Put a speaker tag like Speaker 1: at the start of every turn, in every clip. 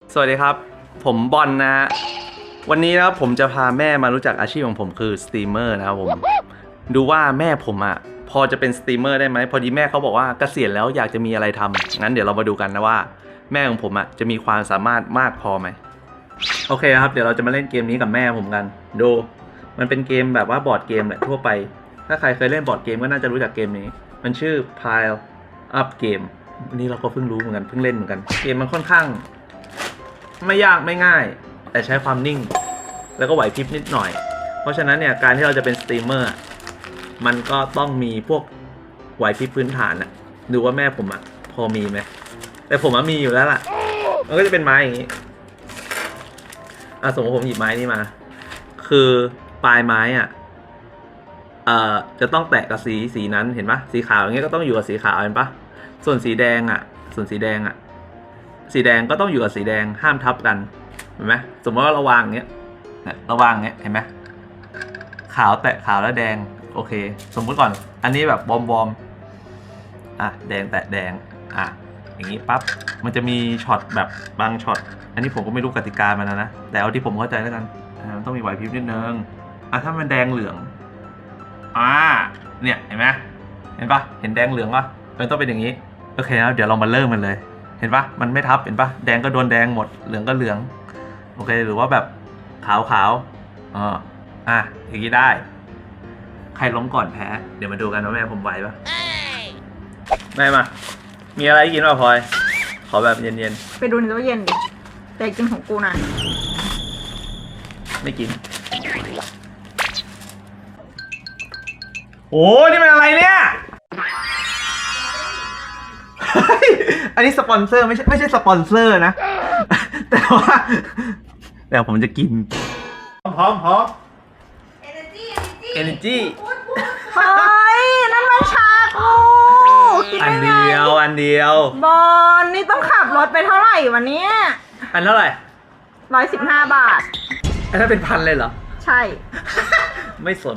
Speaker 1: สวัสดีครับผมบอลนะฮะวันนี้นะครับผมจะพาแม่มารู้จักอาชีพของผมคือสตรีมเมอร์นะครับผมดูว่าแม่ผมอ่ะพอจะเป็นสตรีมเมอร์ได้ไหมพอดีแม่เขาบอกว่าเกษียณแล้วอยากจะมีอะไรทำงั้นเดี๋ยวเรามาดูกันนะว่าแม่ของผมอ่ะจะมีความสามารถมากพอไหมโอเคครับเดี๋ยวเราจะมาเล่นเกมนี้กับแม่ผมกันดูมันเป็นเกมแบบว่าบอร์ดเกมแหละทั่วไปถ้าใครเคยเล่นบอร์ดเกมก็น่าจะรู้จักเกมนี้มันชื่อ Pile Up Game วันนี้เราก็เพิ่งรู้เหมือนกันเพิ่งเล่นเหมือนกันเกมมันค่อนข้างไม่ยากไม่ง่ายแต่ใช้ความนิ่งแล้วก็ไหวพริบนิดหน่อยเพราะฉะนั้นเนี่ยการที่เราจะเป็นสตรีมเมอร์มันก็ต้องมีพวกไหวพริบพื้นฐานอะดูว่าแม่ผมอะพอมีไหมแต่ผมมีอยู่แล้วล่ะมันก็จะเป็นไม้อย่างนี้สมมติผมหยิบไม้นี้มาคือปลายไม้อะจะต้องแตะกับสีนั้นเห็นปะสีขาวอย่างเงี้ยก็ต้องอยู่กับสีขาวเห็นปะส่วนสีแดงอะสีแดงก็ต้องอยู่กับสีแดงห้ามทับกันเห็นไหมสมมติว่าเราวางอย่างเงี้ยเราวางอย่างเงี้ยเห็นไหมขาวแตะขาวแล้วแดงโอเคสมมุติก่อนอันนี้แบบบอมแดงแตะแดงอย่างนี้ปั๊บมันจะมีช็อตแบบบางช็อตอันนี้ผมก็ไม่รู้กติกามันนะแต่เอาที่ผมเข้าใจแล้วกันมันต้องมีไหวพริบนิดนึงถ้ามันแดงเหลืองเนี่ยเห็นไหมเห็นปะเห็นแดงเหลืองปะมันต้องเป็นอย่างนี้โอเคแล้วเดี๋ยวเรามาเริ่มมันเลยเห็นปะมันไม่ทับเห็นปะแดงก็โดนแดงหมดเหลืองก็เหลืองโอเคหรือว่าแบบขาวอย่างนี้ได้ใครล้มก่อนแพ้เดี๋ยวมาดูกันว่าแม่ผมไหวปะแม่มามีอะไรกินป่ะพลอยขอแบบเย็น
Speaker 2: ไปดูในตู้เย็นดิแต่กินของกูนะ
Speaker 1: ไม่กินโอ้นี่มันอะไรเนี่ยอันนี้สปอนเซอร์ไม่ใช่สปอนเซอร์นะ แต่ว่าเดี๋ยวผมจะกินพร้อมEnergy
Speaker 2: เฮ้ยนั่นมันชากู
Speaker 1: อันเดียว
Speaker 2: บอลนี่ต้องขับรถไปเท่าไหร่วันนี้
Speaker 1: อันเท่าไหร่
Speaker 2: 115 บาท
Speaker 1: อันนั้นเป็นพันเลยเหรอ
Speaker 2: ใช่
Speaker 1: ไม่สน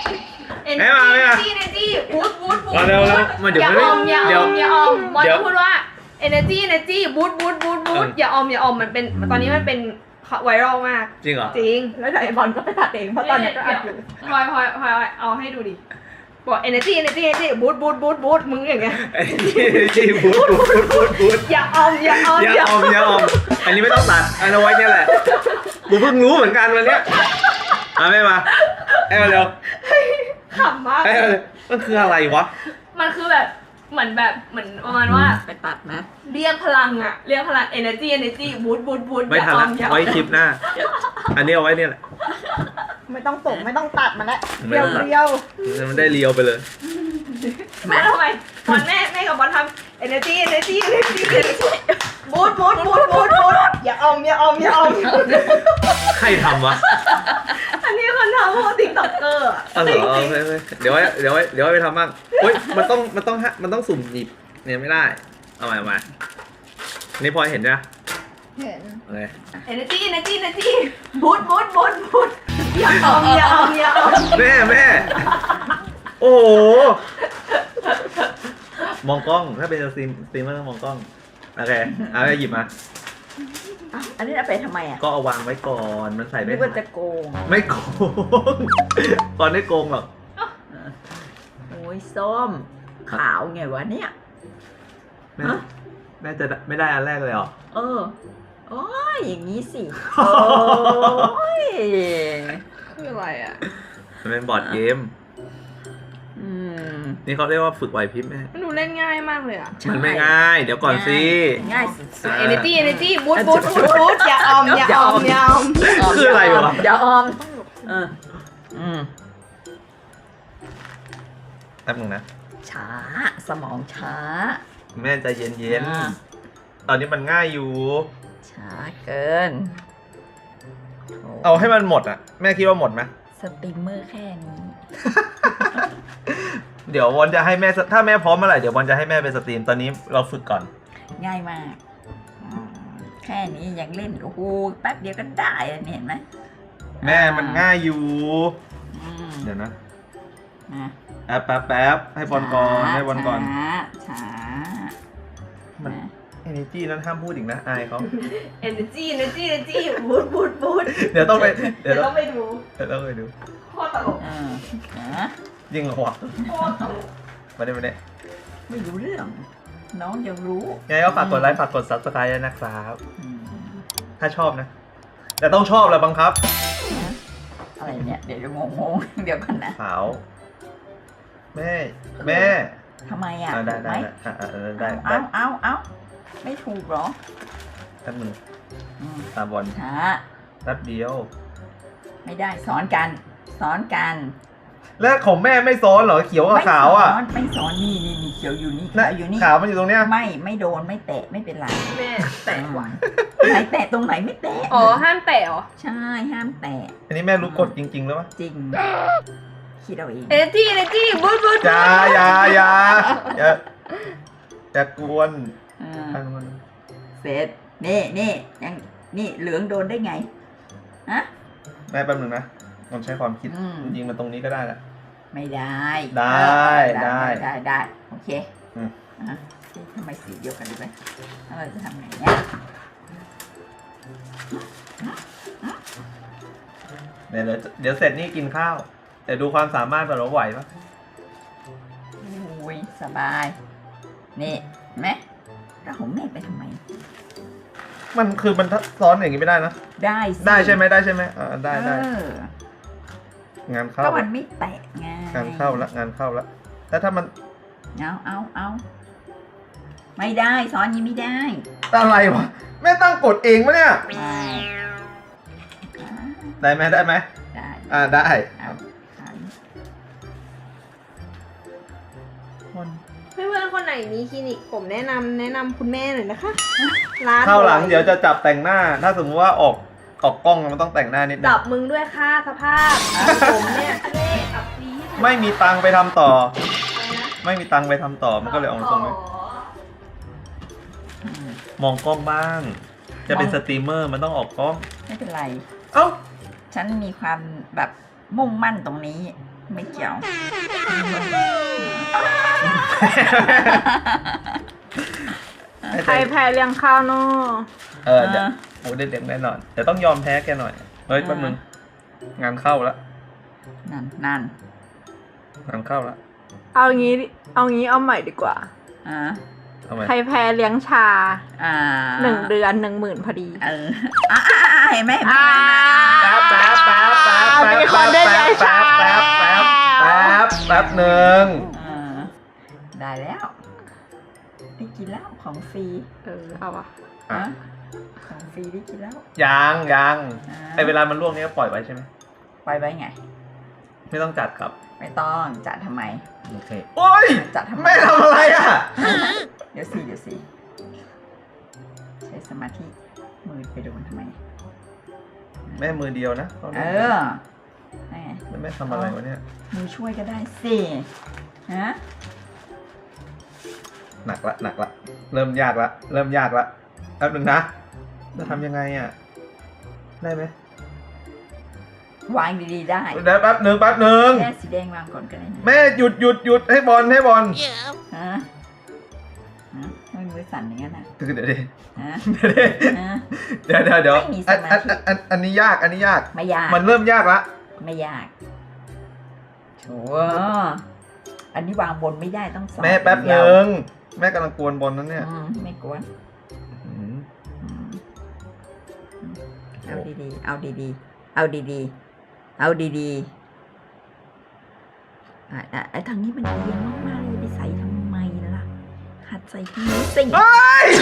Speaker 3: Energy บูท
Speaker 1: มาเร็วมาเดี๋ยว
Speaker 3: อย่าออมบอลพูดว่า Energy บูทอย่าออมมันเป็นตอนนี้มันเป็นไวรัลมาก
Speaker 1: จริงเหรอ
Speaker 3: จริง
Speaker 2: แล้วเดี๋ยวบอลก็ไปตัดเองเพราะตอนนี้ก็อัดอยู่
Speaker 3: พลอยเอาให้ดูดิบอก Energy บูทมึงอย่างเงี้ย
Speaker 1: Energy บูท
Speaker 3: อย่าออม
Speaker 1: อันนี้ไม่ต้องตัดอันเอาไว้เนี่ยแหละกูเพิ่งรู้เหมือนกันวันเนี้ยไม่มาเร็ว
Speaker 3: ขำมาก
Speaker 1: มันคืออะไรวะ
Speaker 3: มันคือแบบเหมือนประมาณว่า
Speaker 2: ไปตัดนะ
Speaker 3: เรียกพลังenergyบูท
Speaker 1: ไม่ทันละไว้คลิปหน้าอันนี้เอาไว้เนี่ยแหละ
Speaker 2: ไม่ต้องส่งไม่ต้องตัดมันแล้วเรียว
Speaker 1: มันได้เรียวไปเลย
Speaker 3: แม่ทำไมตอนแม่กับบอลทำ energyบูทอย่าอม
Speaker 1: ใครทำวะ
Speaker 3: อันนี้คนทำพวกติ๊กต็อกเกอร์
Speaker 1: เหรอเดี๋ยวไว้ไปทำบ้างเฮ้ยมันต้องสุ่มหยิบเนี่ยไม่ได้เอาใหม่นี่พอเห็นใช่ไหม
Speaker 2: เห็น
Speaker 1: โอเค
Speaker 3: energyบูทอย่าอม
Speaker 1: แม่โอ้โหมองกล้องถ้าเป็นสตรีมเมอร์ต้องมองกล้องโอเคไปหยิบมา
Speaker 2: อันนี้เอาไปทำไม
Speaker 1: ก็เอาวางไว้ก่อนมันใส่ไม่
Speaker 2: ได้จะโกง
Speaker 1: ไม่โกงก่อนได้โกงหรอก
Speaker 2: โอ้ยส้มขาวไงวะเนี่ย
Speaker 1: แม่จะไม่ได้อันแรกเลยเหรอ
Speaker 2: โอ้ยอย่างนี้สิโอ้ย
Speaker 3: คืออะไร
Speaker 1: มันเป็นบอร์ดเกมนี่เขาเรียกว่าฝึกไหวพริบแม่
Speaker 3: มันดูเล่นง่ายมากเลย
Speaker 1: มันไม่ง่ายเดี๋ยวก่อนสิ
Speaker 2: ง่ายสุดๆ
Speaker 3: energyบูทอย่าอม
Speaker 1: คืออะไรวะ
Speaker 2: อย่าออม
Speaker 1: แป๊บนึงนะ
Speaker 2: ช้าสมองช้า
Speaker 1: แม่ใจเย็นตอนนี้มันง่ายอยู่
Speaker 2: ช้าเกิน
Speaker 1: เอาให้มันหมดแม่คิดว่าหมดไหม
Speaker 2: สตรีมเมอร์แค่นี้
Speaker 1: เดี๋ยววันจะให้แม่ถ้าแม่พร้อมเมื่อไหร่เดี๋ยววันจะให้แม่ไปสตรีมตอนนี้เราฝึกก่อน
Speaker 2: ง่ายมากแค่นี้ยังเล่นโอ้โหแป๊บเดียวก็ได้เห็นไหม
Speaker 1: แม่มันง่ายอยู่เดี๋ยวนะแป๊บให้บอลก่อนช้ามัน energy นั้นห้ามพูดอีกนะอายเขา
Speaker 3: energy บูด
Speaker 1: เดี๋ยวต้องไป
Speaker 3: เดี๋ยวต้องไปดู
Speaker 1: เดี๋ยวต้องไปดู
Speaker 3: โคตรตลก
Speaker 2: นะ
Speaker 1: ยิงเหรอวะ
Speaker 3: โคตรตลก
Speaker 1: มาได้
Speaker 2: ไม่รู้เรื่อง น้องยังรู้
Speaker 1: ยังไงก็ฝากกดไลค์ฝากกด subscribe ด้วยนะครับ
Speaker 2: อืม
Speaker 1: ถ้าชอบนะ แต่ต้องชอบแหละบังคับ
Speaker 2: อะไรเนี่ย เดี๋ยวงงๆเดี๋ยวกันนะ
Speaker 1: ขาวแม่
Speaker 2: ทำไมอ่ะ
Speaker 1: ได้
Speaker 2: ถูกไหม
Speaker 1: ได้
Speaker 2: เอาไม่ถูกเหรอ
Speaker 1: แป๊บนึง
Speaker 2: อืม
Speaker 1: ตาบอล
Speaker 2: ช้า
Speaker 1: แป๊บเดียว
Speaker 2: ไม่ได้สอนกัน
Speaker 1: แล้วของแม่ไม่ซ้อนเหรอเขียวกับขาวอ่ะ
Speaker 2: ไม่สอนนี่เขียวอยู่นี่
Speaker 1: น่ะ
Speaker 2: ขาวอยู่นี่
Speaker 1: ขาวมันอยู่ตรงเนี้ย
Speaker 2: ไม่โดนไม่แตะไม่เป็นไร
Speaker 3: แม่แตะหวาน
Speaker 2: ไหนแตะตรงไหนไม่แตะ
Speaker 3: อ๋อห้ามแตะเหรอ
Speaker 2: ใช่ห้ามแตะ
Speaker 1: อันนี้แม่รู้กฎจริงๆแล้วปะ
Speaker 2: จริง คิดเอาเอง
Speaker 3: energy บูด
Speaker 1: อย่ากวน
Speaker 2: อ่า
Speaker 1: อันมัน
Speaker 2: เสร็จนี่ยังนี่เหลืองโดนได้ไงฮะ
Speaker 1: แม่แป๊บนึงนะมันใช้ความคิด
Speaker 2: อืม
Speaker 1: จริงๆมันตรงนี้ก็ได้แหละ
Speaker 2: ไม่ได้
Speaker 1: ได้
Speaker 2: ได้โอเค
Speaker 1: อืม
Speaker 2: อ่ะทำไมสีเดียวกันเลยแล้วเราจะทำไงเนี่ย
Speaker 1: เดี๋ยวเสร็จนี่กินข้าวแต่ดูความสามารถแบบเราไหวปะ
Speaker 2: อุ้ยสบาย นี่เห็นไหมแล้วของแม่ไปทำไม
Speaker 1: มันคือมันซ้อนอย่างนี้ไม่ได้นะ
Speaker 2: ได้สิ
Speaker 1: ได้ใช่ไหมได้ได้
Speaker 2: เออง
Speaker 1: านเข้า
Speaker 2: ก็มันไม่แตะไง
Speaker 1: งานเข้าแล้วแล้วถ้ามัน
Speaker 2: เอาไม่ได้ซ้อนอยังไม่ได้
Speaker 1: อะไรวะแม่ตั้งกฎเองปะเนี่ย
Speaker 2: ได้
Speaker 1: ได้ไหม
Speaker 2: ได้
Speaker 1: ได้
Speaker 2: เอาหัน
Speaker 3: เพื่อนๆคนไหนมีคลินิกผมแนะนำคุณแม่หน่อยนะคะร้าน
Speaker 1: เข้าหลังเดี๋ยวจะจับแต่งหน้า ถ้าสมมติว่าออกกล้องมันต้องแต่งหน้านิดนึ
Speaker 3: จั
Speaker 1: ง
Speaker 3: บมึงด้วยค่ะสภาพผมเนี่ยเล่อับปีด
Speaker 1: ไม่มีตังค์ไปทำต่อ
Speaker 3: อะไรนะ
Speaker 1: ไม่มีตังค์ไปทำต่อมันก็เลยออกมาทรงนี้
Speaker 2: อืม
Speaker 1: มองกล้องบ้าง จะเป็นสตรีมเมอร์มันต้องออกกล้อง
Speaker 2: ไม่เป็นไร
Speaker 1: เอ้า
Speaker 2: ฉันมีความแบบมุ่งมั่นตรงนี้ ไม่เกี่ยว
Speaker 3: ใครแพ้เลี้ยงข้าวเนาะ
Speaker 1: เดี๋ยวโอ้เด็กๆแน่นอนเดี๋ยวต้องยอมแพ้แกหน่อยเฮ้ยแป๊บนึงงานเข้าแล้ว
Speaker 2: นั่น
Speaker 1: งานเข้าแล้ว
Speaker 3: เอางี้ใหม่ดีกว่า
Speaker 2: อ่า
Speaker 1: ทำไม
Speaker 3: ใครแพ้เลี้ยงชา 1 เดือน 10,000พอดี
Speaker 2: เออเห็นไหม
Speaker 1: แป๊บหนึ่ง
Speaker 2: ได้แล้วได้กินแล้วของฟรี
Speaker 3: เอาวะ
Speaker 2: ฮะของฟรีได้กินแล้ว
Speaker 1: ยังไอเวลามันล่วงนี้ก็ปล่อยไว้ใช่ไหม
Speaker 2: ปล่อยไว้ไง
Speaker 1: ไม่ต้องจัดครับ
Speaker 2: ไม่ต้องจัดทำไม
Speaker 1: โอเคโอ้ย
Speaker 2: จัดทำไม
Speaker 1: แม่ทำอะไรอ่ะ
Speaker 2: เดี๋ยวสิใช้สมาธิมือไปโดนทำไม
Speaker 1: แม่มือเดียวนะ
Speaker 2: นั่นไง
Speaker 1: แล้วแม่ทำอะไรวะเนี่ย
Speaker 2: มือช่วยก็ได้สิฮะ
Speaker 1: หนักละเริ่มยากละแป๊บนึงนะจะทำยังไงอ่ะได้ไหม
Speaker 2: วางดีๆได้
Speaker 1: เดี๋ยวแป๊บนึง
Speaker 2: แม่สีแดงวางก่อนก็ได้นะ
Speaker 1: แม่หยุดให้บอล
Speaker 2: ฮะทำไมมือสั่นอย่างนั้นนะ
Speaker 1: เดี๋ยวดิ
Speaker 2: ฮะ
Speaker 1: เ
Speaker 2: ฮะ
Speaker 1: ดี๋ยว
Speaker 2: ไม่มีสมาธิ
Speaker 1: อันนี้ยาก
Speaker 2: ไม่ยาก
Speaker 1: มันเริ่มยากละ
Speaker 2: ไม่ยากโถอันนี้วางบนไม่ได้ต้องสอน
Speaker 1: แม่แป๊บ
Speaker 2: เดียว
Speaker 1: นึงแม่กำลังกวนบอลนั้นเนี่ย
Speaker 2: ไม่กวน
Speaker 1: อืม
Speaker 2: เอาดีๆ เอาดีๆ ไอ้ทางนี้มันเอียงมากๆเลยไปใส่ทำไมล่ะ หัดใส่ที่นี้สิ
Speaker 1: เฮ้ย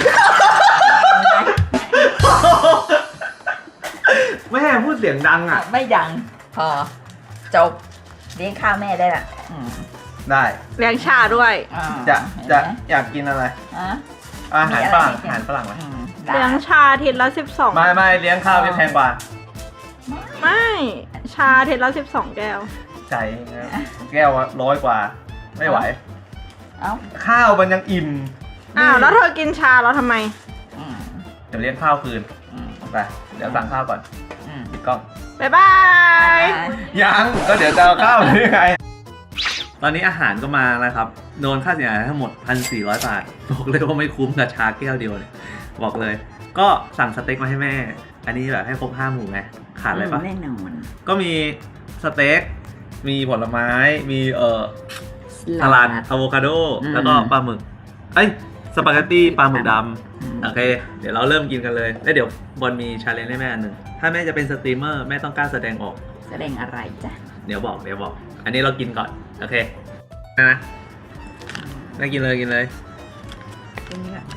Speaker 1: แม่พูดเสียงดังอ่ะ
Speaker 2: ไม่ดัง พอ จบ เลี้ยงข้าวแม่ได้ละ
Speaker 1: ได้
Speaker 3: เลี้ยงชาด้วย
Speaker 1: จะอยากกินอะไร อาหารฝรั่งไหม
Speaker 3: เลี้ยงชาทีละ12
Speaker 1: ไม่เลี้ยงข้าวไม่แพงกว่า
Speaker 3: ไม่ชาทีละ12 แก้ว
Speaker 1: ใจนะแก้ว100 กว่า ไม่ไหว
Speaker 2: เอ้า
Speaker 1: ข้าวมันยังอิ่ม
Speaker 3: อ้าวแล้วเธอกินชาแล้วทำไม
Speaker 1: เดี๋ยวเลี้ยงข้าวคืนไปเดี๋ยวสั่งข้าวก่อนปิดกล้อง
Speaker 3: บ๊ายบาย
Speaker 1: ยังก็เดี๋ยวจะเอาข้าวหรือไงตอนนี้อาหารก็มาแล้วครับโดนค่าเสียหายทั้งหมด 1,400 บาทบอกเลยว่าไม่คุ้มกับชาแก้วเดียวเลยบอกเลย ก็สั่งสเต็กมาให้แม่ อันนี้แบบให้ครบ5 หมู่ไงขาดอะไรปะ
Speaker 2: แน่นอน
Speaker 1: ก็มีสเต็กมีผลไม้มีสลัดอะโวคาโดแล้วก็ปลาหมึกสปาเกตตี้ปลาหมึกดำโอเคเดี๋ยวเราเริ่มกินกันเลยแล้วเดี๋ยวบอลมีชาเลนจ์ให้แม่อันหนึ่งถ้าแม่จะเป็นสตรีมเมอร์แม่ต้องกล้าแสดงออก
Speaker 2: แสดงอะไรจ๊ะ
Speaker 1: เดี๋ยวบอกอันนี้เรากินก่อนโอเคนะแม่กินเลย
Speaker 2: กินนี้ก่อน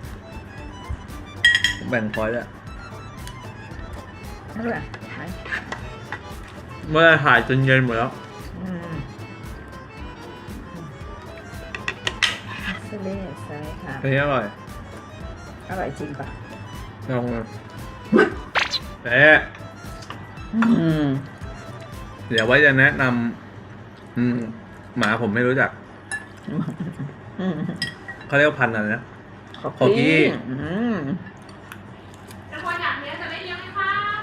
Speaker 1: ผมแบ่งพอยต์ด้วย
Speaker 2: นั่นแหละใช่
Speaker 1: เมื่อถ่ายจนเย็นหมดแล้ว
Speaker 2: เสเล่ใช่ค่ะ
Speaker 1: อันนี้อร่อย
Speaker 2: อร่อยจริงปะ
Speaker 1: ลองเลยแต่ เดี๋ยวไว้จะแนะนำหมาผมไม่รู้จักเขาเรียกว่าพันธุ์อะไรนะ ขอกี้
Speaker 3: แต่พออยากเลี้ยงจะไม่เลี้ยงไหมคะ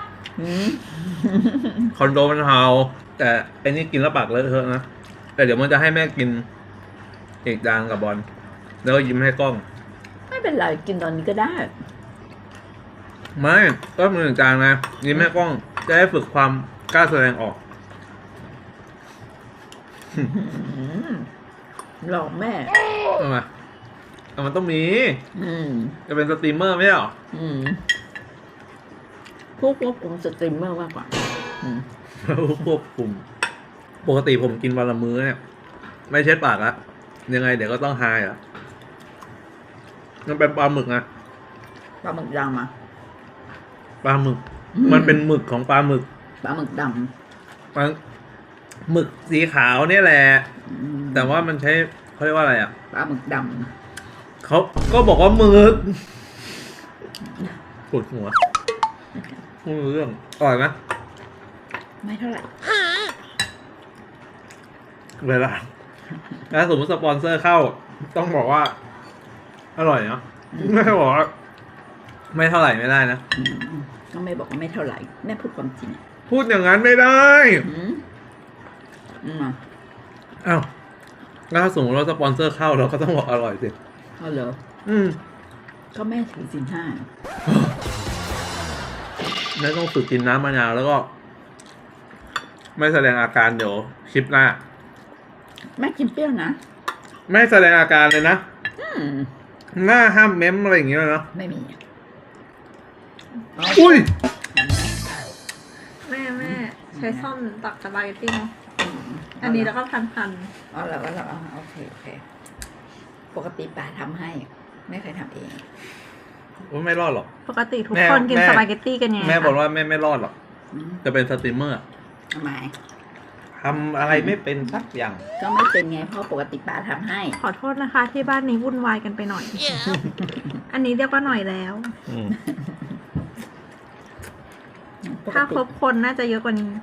Speaker 1: คอนโดมันเฮาแต่ไอ้นี่กินแล้วปากเลอะเทอะนะแต่เดี๋ยวมันจะให้แม่กินอีกจานกับบอลแล้วก็ยิ้มให้กล้อง
Speaker 2: ไม่เป็นไรกินตอนนี้ก็ได้
Speaker 1: ไม่ก็มือหนึ่งจานนะยิ้มให้กล้อง จะได้ฝึกความกล้าแสดงออก
Speaker 2: หลอกแม่
Speaker 1: เอามามันต้องมีจะเป็นสตรีมเมอร์ไม่ใช่หรอ
Speaker 2: ผู้ควบคุมสตรีมเมอร์มากกว่า
Speaker 1: ควบคุมปกติผมกินวันละมื้อเนี่ยไม่เช็ดปากละยังไงเดี๋ยวก็ต้องไฮอ่ะมันเป็นปลาหมึกนะ
Speaker 2: ปลาหมึกดำอ่ะ
Speaker 1: ปลาหมึก มันเป็นหมึกของปลาหมึก
Speaker 2: ปลาหมึกด
Speaker 1: ปลาหมึกสีขาวเนี่ยแหละ
Speaker 2: ำ
Speaker 1: แต่ว่ามันใช้เขาเรียกว่าอะไรอ่ะ
Speaker 2: ปลาหมึกด
Speaker 1: เขาก็บอกว่าหมึกปวดหัวไม่รู้เรื่องอร่อยไหม
Speaker 2: ำไม่เท่าไหร่
Speaker 1: เวลาถ้าสมมติสปอนเซอร์เข้า ต้องบอกว่า อร่อยเนาะไม่ใช่บอกว่าไม่เท่าไหร่ไม่ได้นะ
Speaker 2: ก็ไม่บอกว่าไม่เท่าไหร่แม่พูดความจริง
Speaker 1: พูดอย่างนั้นไม่ได้ อ้าวแล้วถ้าสมมติว่าสปอนเซอร์เข้าเราก็ต้องบอกอร่อยสิ
Speaker 2: เอาเหรอก็แม่ถือศีล
Speaker 1: แล้วต้องฝึกกินน้ำมะนาวแล้วก็ ไม่แสดงอาการเดี๋ยวคลิปหน้า
Speaker 2: 5แม่กินเปรี้ยวนะ
Speaker 1: ไม่แสดงอาการเลยนะหน้าห้ามเม้มอะไรอย่างเงี้ยเลยเนาะ
Speaker 2: ไม่มี
Speaker 1: อุ้ย
Speaker 3: แม่ใช้ซ่อมตักสปาเกตตี้เนาะอันนี้แล้วก็พัน
Speaker 2: อ๋อแล้วโอเคปกติป่าทำให้ไม่เคยทำเอง
Speaker 1: ว่าไม่รอดหรอก
Speaker 3: ปกติทุกคนกินสปาเกตตี้กันไง
Speaker 1: แม่บอกว่าแม่ไม่รอดหรอก จะเป็นสตรีมเมอร์
Speaker 2: ทำไม
Speaker 1: ทำอะไรไม่เป็นสักอย่าง
Speaker 2: ก็ไม่เป็นไงเพราะปกติป่าทำให้
Speaker 3: ขอโทษนะคะ ที่บ้านนี้วุ่นวายกันไปหน่อย อันนี้เรียกว่าหน่อยแล้ว ถ้าครบคนน่าจะเยอะกว่านี้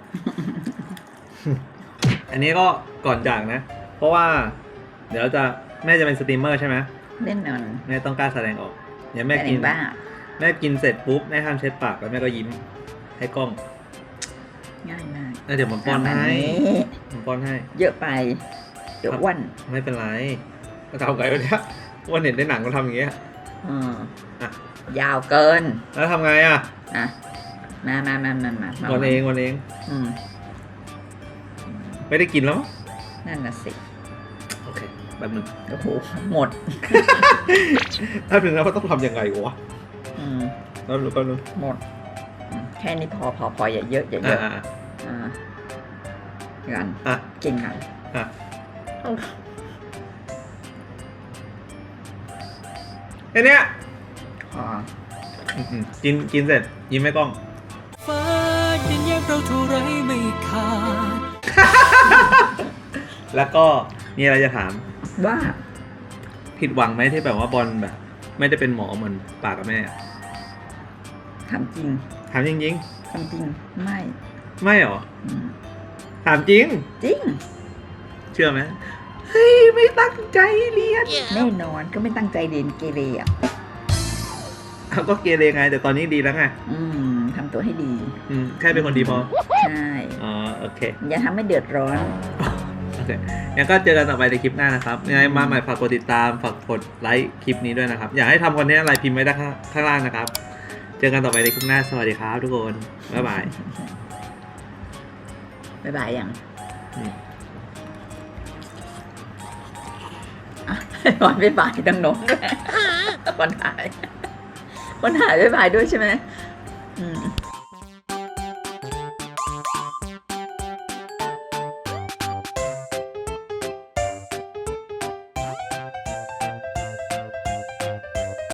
Speaker 1: อันนี้ก็ก่อนจากนะ เพราะว่า เดี๋ยวแม่จะเป็นสตรีมเมอร์ใช่ไหม
Speaker 2: เล่นนอน
Speaker 1: แม่ต้องกล้าแสดงออกเดี๋ยวแม่กิน
Speaker 2: บ้า
Speaker 1: แม่กินเสร็จปุ๊บแม่ห้ามเช็ดปากแล้วแม่ก็ยิ้มให้กล้อง
Speaker 2: ง่ายมาก
Speaker 1: แล้วเดี๋ยวผมป้อนให้ผมป้อนให้
Speaker 2: เยอะไปเดี๋ยวอ้วน
Speaker 1: ไม่เป็นไรก็ทำไงวะเนี่ยวันเห็นในหนังก็ทำอย่างเงี้ย อ่ะ
Speaker 2: ยาวเกิน
Speaker 1: แล้วทำไงอ่ะ
Speaker 2: อ่ะมา
Speaker 1: วันเองไม่ได้กินแล้วมั้ง
Speaker 2: นั่นน่ะสิ
Speaker 1: โอเคแบบนึง
Speaker 2: โอ้โหหมด
Speaker 1: ถ้าเป็นแล้วก็ต้องทำยังไงวะ แล้วรู้ก็รู้
Speaker 2: หมดแค่นี้พออย่าเยอะกันกินกัน
Speaker 1: แค่เนี้ย
Speaker 2: พอ
Speaker 1: กินเสร็จยิ้มให้กล้อง
Speaker 4: ฟ้ายันแยกเราเท่าไรไม่ขาด
Speaker 1: แล้วก็มีอะไรจะถาม
Speaker 2: ว่า
Speaker 1: ผิดหวังไหมที่แบบว่าบอลแบบ ไม่ได้เป็นหมอเหมือนปากกับแม่
Speaker 2: ทำจริง
Speaker 1: ถามจริง
Speaker 2: ทำจริงไม่
Speaker 1: ๆไม่หรอถามจริง
Speaker 2: จริง
Speaker 1: เชื่อไหมเฮ้ยไม่ตั้งใจเรียน
Speaker 2: แน่นอนก็ไม่ตั้งใจเรียนเกเรอ่ะ
Speaker 1: เขาก็เกเรไงแต่ตอนนี้ดีแล้วไง
Speaker 2: ทำตัวให้ดี
Speaker 1: แค่เป็นคนดีพอ
Speaker 2: ใช่
Speaker 1: อ๋อโอเค
Speaker 2: อย่าทำให้เดือดร้อน
Speaker 1: โอเคเคงั้นก็เจอกันต่อไปในคลิปหน้านะครับยังไงมาใหม่ฝากกดติดตามฝากกดไลค์คลิปนี้ด้วยนะครับอยากให้ทำคอนเทนต์อะไรพิมพ์ไว้ด้านข้างล่างนะครับเจอกันต่อไปในคลิปหน้าสวัสดีครับทุกคนบ๊ายบาย
Speaker 2: บ๊ายบายยัง
Speaker 1: อืม
Speaker 2: อ่ะบอลบ๊ายบายดังโน้นด้วยคนถ่ายบ๊ายบายด้วยใช่ไหมอืม